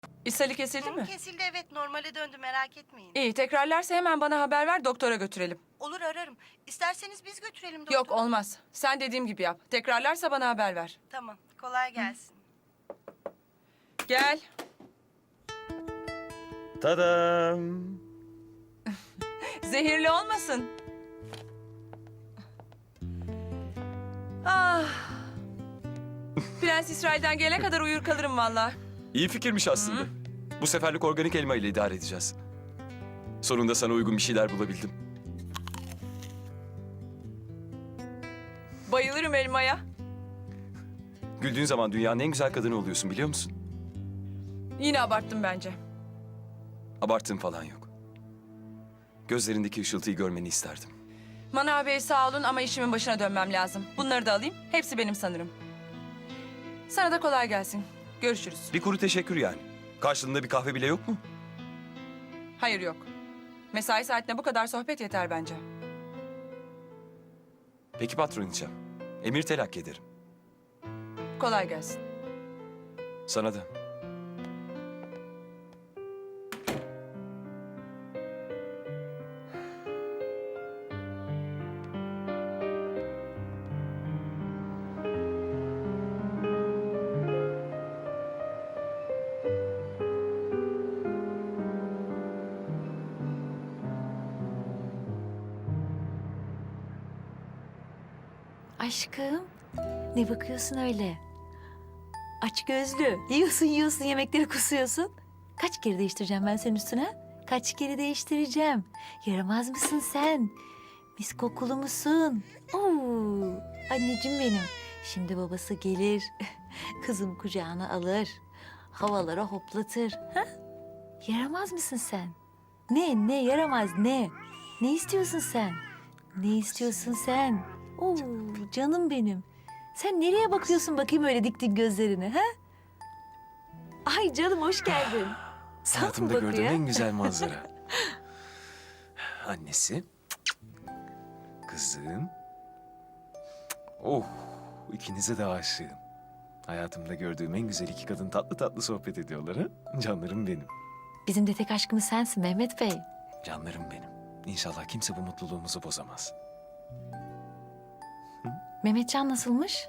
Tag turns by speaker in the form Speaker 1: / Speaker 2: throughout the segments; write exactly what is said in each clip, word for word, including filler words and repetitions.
Speaker 1: İshali kesildi
Speaker 2: Hı,
Speaker 1: mi?
Speaker 2: Kesildi, evet, normale döndü, merak etmeyin.
Speaker 1: İyi, tekrarlarsa hemen bana haber ver, doktora götürelim.
Speaker 2: Olur, ararım. İsterseniz biz götürelim doktora.
Speaker 1: Yok, olmaz. Sen dediğim gibi yap. Tekrarlarsa bana haber ver.
Speaker 2: Tamam, kolay gelsin.
Speaker 1: Gel.
Speaker 3: Tadam.
Speaker 1: Zehirli olmasın. Ah. Prens İsrail'den gelene kadar uyur kalırım vallahi.
Speaker 3: İyi fikirmiş aslında. Bu seferlik organik elma ile idare edeceğiz. Sonunda sana uygun bir şeyler bulabildim.
Speaker 1: Bayılırım elmaya.
Speaker 3: Güldüğün zaman dünyanın en güzel kadını oluyorsun, biliyor musun?
Speaker 1: Yine abarttım bence.
Speaker 3: Abarttığım falan yok. Gözlerindeki ışıltıyı görmeni isterdim.
Speaker 1: Manav Bey sağ olun ama işimin başına dönmem lazım. Bunları da alayım. Hepsi benim sanırım. Sana da kolay gelsin. Görüşürüz.
Speaker 3: Bir kuru teşekkür yani. Karşılığında bir kahve bile yok mu?
Speaker 1: Hayır yok. Mesai saatine bu kadar sohbet yeter bence.
Speaker 3: Peki patroniçem. Emir telakki ederim.
Speaker 1: Kolay gelsin.
Speaker 3: Sana da.
Speaker 4: Aşkım, ne bakıyorsun öyle? Aç gözlü. Yiyorsun yiyorsun yemekleri kusuyorsun. Kaç kere değiştireceğim ben senin üstüne? Kaç kere değiştireceğim? Yaramaz mısın sen? Mis kokulu musun? Oo, anneciğim benim. Şimdi babası gelir, kızım kucağına alır, havalara hoplatır. Ha? Yaramaz mısın sen? Ne, ne yaramaz ne? Ne istiyorsun sen? Ne istiyorsun sen? Oo, canım benim. Sen nereye bakıyorsun bakayım öyle diktin gözlerini ha? Ay canım hoş geldin. Sana mı
Speaker 3: Hayatımda
Speaker 4: bakıyor?
Speaker 3: gördüğüm en güzel manzara. Annesi. Kızım. Oh, ikinize de aşığım. Hayatımda gördüğüm en güzel iki kadın tatlı tatlı sohbet ediyorlar ha. Canlarım benim.
Speaker 4: Bizim de tek aşkımız sensin Mehmet Bey.
Speaker 3: Canlarım benim. İnşallah kimse bu mutluluğumuzu bozamaz.
Speaker 4: Mehmetcan nasılmış?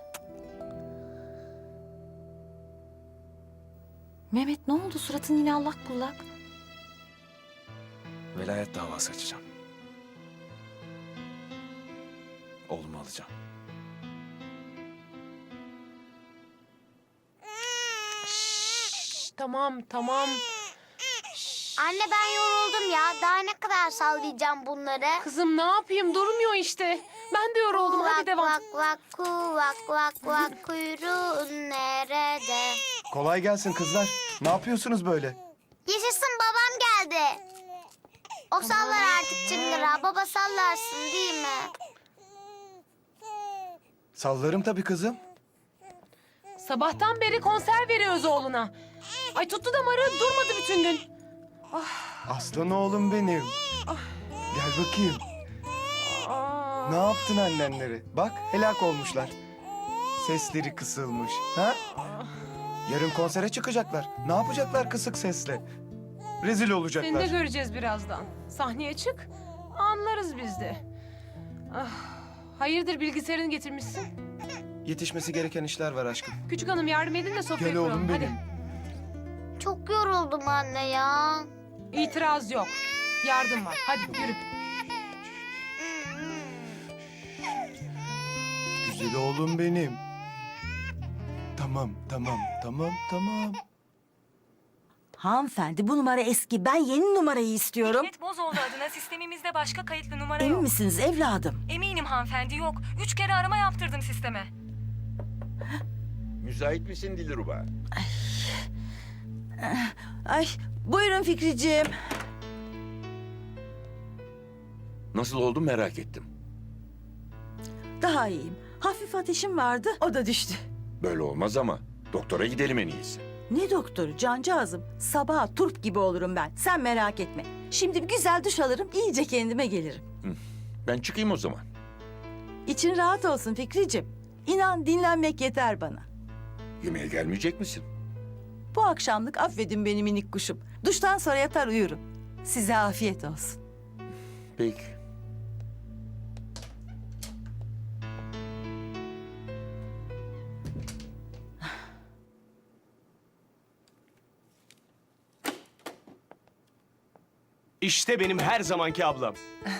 Speaker 4: Mehmet ne oldu suratın yine allak bullak?
Speaker 3: Velayet davası açacağım. Oğlumu alacağım.
Speaker 5: Tamam, tamam.
Speaker 6: Anne ben yoruldum ya. Daha ne kadar sallayacağım bunları?
Speaker 5: Kızım ne yapayım? Durmuyor işte. Ben de yoruldum. Hadi
Speaker 6: Vak
Speaker 5: devam.
Speaker 6: vak vak kuvak vak vak kuyruğun nerede?
Speaker 7: Kolay gelsin kızlar. Ne yapıyorsunuz böyle?
Speaker 6: Yaşasın babam geldi. O sallar artık çıngırağı. Baba sallarsın değil mi?
Speaker 7: Sallarım tabii kızım.
Speaker 5: Sabahtan beri konser veriyoruz oğluna. Ay tuttu damarı, durmadı bütün gün.
Speaker 7: Aslan oğlum benim. Gel bakayım.
Speaker 5: Aa.
Speaker 7: Ne yaptın annenleri? Bak helak olmuşlar. Sesleri kısılmış. Ha? Yarın konsere çıkacaklar. Ne yapacaklar kısık sesle? Rezil
Speaker 5: Seni de
Speaker 7: olacaklar.
Speaker 5: göreceğiz birazdan. Sahneye çık, anlarız biz de. Ah, hayırdır bilgisayarını getirmişsin?
Speaker 7: Yetişmesi gereken işler var aşkım.
Speaker 5: Küçük hanım yardım edin de sofrayı
Speaker 7: Gel oğlum
Speaker 5: kuralım.
Speaker 7: benim.
Speaker 5: Hadi.
Speaker 6: Çok yoruldum anne ya.
Speaker 5: İtiraz yok. Yardım var. Hadi yürü.
Speaker 7: Güzel oğlum benim. Tamam, tamam, tamam, tamam.
Speaker 8: Hanımefendi bu numara eski. Ben yeni numarayı istiyorum.
Speaker 9: Hikmet Bozoğlu adına sistemimizde başka kayıtlı numara
Speaker 8: Emin
Speaker 9: yok.
Speaker 8: misiniz evladım?
Speaker 9: Eminim hanımefendi yok. Üç kere arama yaptırdım sisteme.
Speaker 10: Müsait misin Dilruba?
Speaker 8: Ay buyurun Fikriciğim.
Speaker 10: Nasıl oldu merak ettim.
Speaker 8: Daha iyiyim. Hafif ateşim vardı o da düştü.
Speaker 10: Böyle olmaz ama doktora gidelim en iyisi.
Speaker 8: Ne doktoru cancağızım. Sabaha turp gibi olurum ben. Sen merak etme. Şimdi bir güzel duş alırım iyice kendime gelirim.
Speaker 10: Ben çıkayım o zaman.
Speaker 8: İçin rahat olsun Fikriciğim. İnan dinlenmek yeter bana.
Speaker 10: Yemeğe gelmeyecek misin?
Speaker 8: Bu akşamlık affedin beni minik kuşum. Duştan sonra yatar uyurum. Size afiyet olsun.
Speaker 10: Peki.
Speaker 11: İşte benim her zamanki ablam.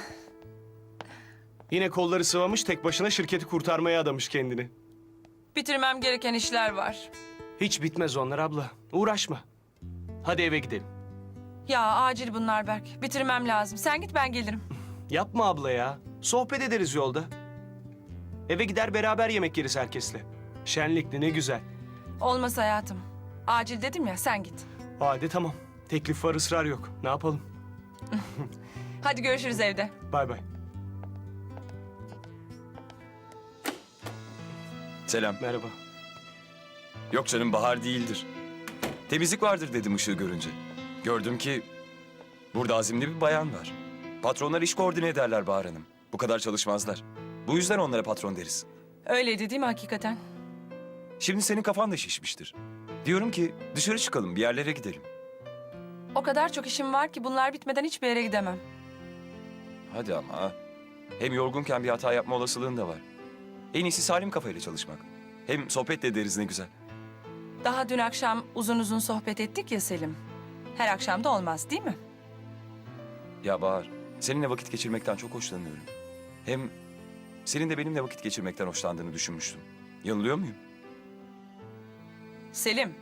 Speaker 11: Yine kolları sıvamış, tek başına şirketi kurtarmaya adamış kendini.
Speaker 1: Bitirmem gereken işler var.
Speaker 11: Hiç bitmez onlar abla. Uğraşma. Hadi eve gidelim.
Speaker 1: Ya acil bunlar Berk. Bitirmem lazım. Sen git ben gelirim.
Speaker 11: Yapma abla ya. Sohbet ederiz yolda. Eve gider beraber yemek yeriz herkesle. Şenlikli ne güzel.
Speaker 1: Olmaz hayatım. Acil dedim ya sen git.
Speaker 11: Hadi tamam. Teklif var, ısrar yok. Ne yapalım?
Speaker 1: Hadi görüşürüz evde.
Speaker 11: Bay bay.
Speaker 3: Selam.
Speaker 11: Merhaba.
Speaker 3: Yok canım, Bahar değildir. Temizlik vardır dedim ışığı görünce. Gördüm ki burada azimli bir bayan var. Patronlar iş koordine ederler Bahar Hanım. Bu kadar çalışmazlar. Bu yüzden onlara patron deriz.
Speaker 1: Öyleydi değil mi hakikaten?
Speaker 3: Şimdi senin kafan da şişmiştir. Diyorum ki dışarı çıkalım, bir yerlere gidelim.
Speaker 1: O kadar çok işim var ki bunlar bitmeden hiçbir yere gidemem.
Speaker 3: Hadi ama ha. Hem yorgunken bir hata yapma olasılığın da var. En iyisi salim kafayla çalışmak. Hem sohbet de ederiz ne güzel.
Speaker 1: Daha dün akşam uzun uzun sohbet ettik ya Selim. Her akşam da olmaz değil mi?
Speaker 3: Ya Bahar, seninle vakit geçirmekten çok hoşlanıyorum. Hem senin de benimle vakit geçirmekten hoşlandığını düşünmüştüm. Yanılıyor muyum?
Speaker 1: Selim.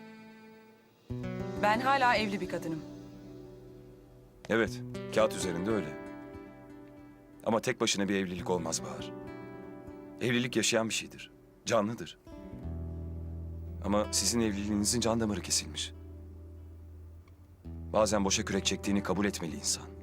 Speaker 1: Ben hala evli bir kadınım.
Speaker 3: Evet, kağıt üzerinde öyle. Ama tek başına bir evlilik olmaz Bahar. Evlilik yaşayan bir şeydir, canlıdır. Ama sizin evliliğinizin can damarı kesilmiş. Bazen boşa kürek çektiğini kabul etmeli insan.